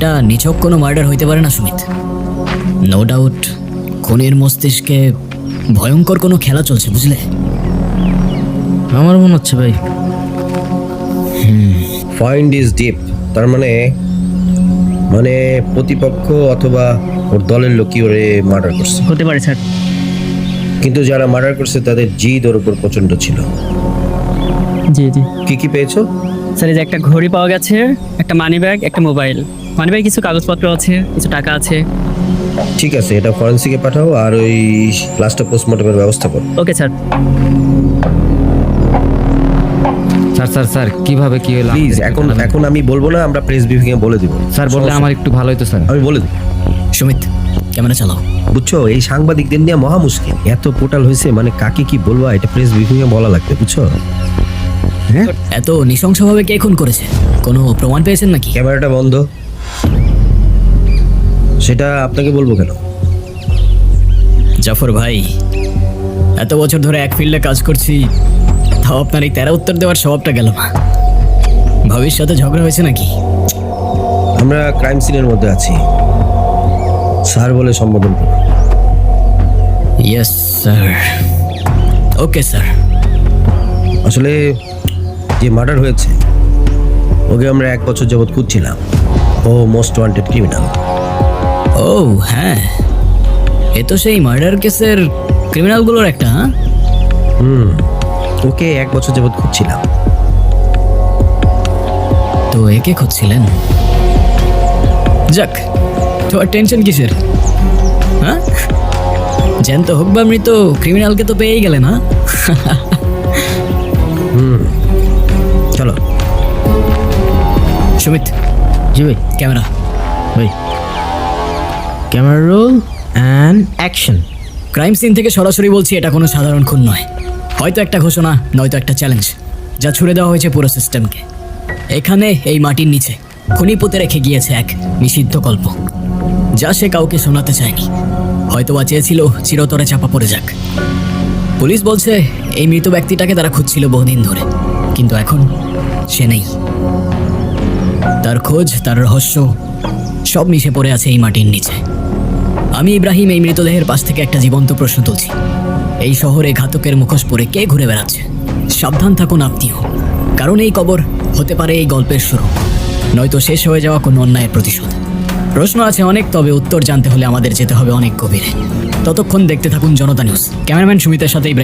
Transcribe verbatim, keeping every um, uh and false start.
এটা নিছক কোনো মার্ডার হইতে পারে না সুমিত। নো ডাউট খুনির মস্তিষ্কে ভয়ঙ্কর কোনো খেলা চলছে, বুঝলে? আমার মনে হচ্ছে ভাই। ফাইন্ড ইজ ডিপ, তার মানে মানে প্রতিপক্ষ অথবা ওর দলের লোকই ওরে মার্ডার করছে। হতে পারে স্যার। কিন্তু যারা মার্ডার করছে তাদের জিদ ওর উপর প্রচন্ড ছিল। জি জি কি কি পেয়েছো? স্যার, এই যে একটা ঘড়ি পাওয়া গেছে, একটা মানি ব্যাগ, একটা মোবাইল। মানি ব্যাগ কিছু কাগজপত্র আছে, কিছু টাকা আছে। ঠিক আছে, এটা ফরেন্সিকে পাঠাও আর ওই লাস্টটা পোস্টমর্টমের ব্যবস্থা করো। Okay sir. Sir sir sir কিভাবে কি হলো? প্লিজ এখন এখন আমি বলবো না, আমরা প্রেস ব্রিফিং এ বলে দিব। স্যার বললে আমার একটু ভালো হতো স্যার। আমি বলে দিব। সুমিত ক্যামেরা চালাও। বুঝছো, এই সাংবাদিকদের নিয়ে মহা মুশকিল। এত পোর্টাল হয়েছে, মানে কাকে কি বলবো এটা প্রেস ব্রিফিং এ বলা লাগবে, বুঝছো? হ্যাঁ, এত নৃশংসভাবে কে খুন করেছে? কোনো প্রমাণ পেয়েছেন নাকি? ক্যামেরাটা বন্ধ। সেটা আপনাকে বলবো কেন? জাফর ভাই, এত বছর ধরে এক ফিল্ডে কাজ করছি, তাও আপনার এই তেরা উত্তর দেওয়ার স্বভাবটা গেল না। ভাবির সাথে ঝগড়া হয়েছে নাকি? আমরা ক্রাইম সিনের মধ্যে আছি, স্যার বলে সম্বোধন করুন। Yes sir. Okay sir. আসলে যে মার্ডার হয়েছে ওকে আমরা এক বছর যাবৎ খুঁজছিলাম। ও মোস্ট ওয়ান্টেড ক্রিমিনাল। ও হ্যাঁ, এ তো সেই মার্ডার কেসের ক্রিমিনালগুলোর একটা। হ্যাঁ, হুম, ওকে এক বছর যাবৎ খুঁজছিলাম। তো একে খুঁজছিলেন? যাক, তো আর টেনশন কিসের? হ্যাঁ, জ্যান্ত হোক বা মৃত, ক্রিমিনালকে তো পেয়েই গেলেন। হ্যাঁ, হুম, চলো। সুমিত, জি ভাই। ক্যামেরা। ভাই camera roll and action. Crime scene থেকে সরাসরি বলছি, এটা কোনো সাধারণ খুন নয়। হয়তো একটা ঘোষণা, নয়তো একটা চ্যালেঞ্জ, যা ছুড়ে দেওয়া হয়েছে পুরো সিস্টেমকে। এখানে এই মাটির নিচে খুনি পুঁতে রেখে গিয়েছে এক নিষিদ্ধ গল্প, যা সে কাউকে শোনাতে চায়নি। হয়তো বা চেয়েছিল চিরতরে চাপা পড়ে যাক। পুলিশ বলছে এই মৃত ব্যক্তিটাকে তারা খুঁজছিল বহুদিন ধরে, কিন্তু এখন সে নেই। তার খোঁজ, তার রহস্য সব মিশে পড়ে আছে এই মাটির নিচে। আমি ইব্রাহিম এই মৃতদেহের পাশ থেকে একটা জীবন্ত প্রশ্ন তুলছি। এই শহরে ঘাতকের মুখোশ পরে কে ঘুরে বেড়াচ্ছে? সাবধান থাকুন আপনিও, কারণ এই কবর হতে পারে এই গল্পের শুরু, নয়তো শেষ হয়ে যাওয়া কোনো অন্যায়ের প্রতিশোধ। প্রশ্ন আছে অনেক, তবে উত্তর জানতে হলে আমাদের যেতে হবে অনেক গভীরে। ততক্ষণ দেখতে থাকুন জনতা নিউজ। ক্যামেরাম্যান সুমিতের সাথে